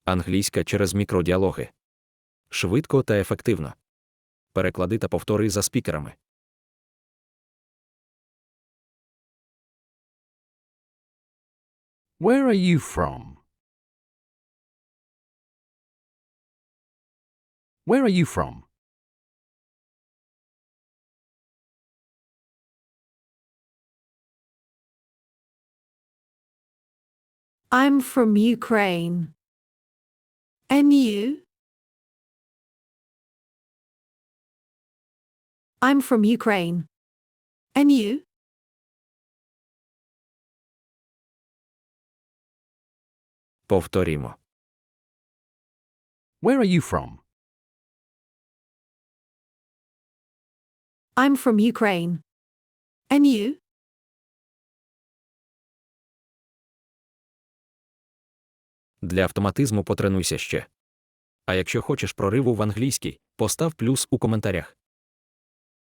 Англійська через мікродіалоги. Швидко та ефективно. Переклади та повтори за спікерами. Where are you from? Where are you from? I'm from Ukraine. And you? I'm from Ukraine. And you? Повторімо. Where are you from? I'm from Ukraine. And you? Для автоматизму потренуйся ще. А якщо хочеш прориву в англійській, постав плюс у коментарях.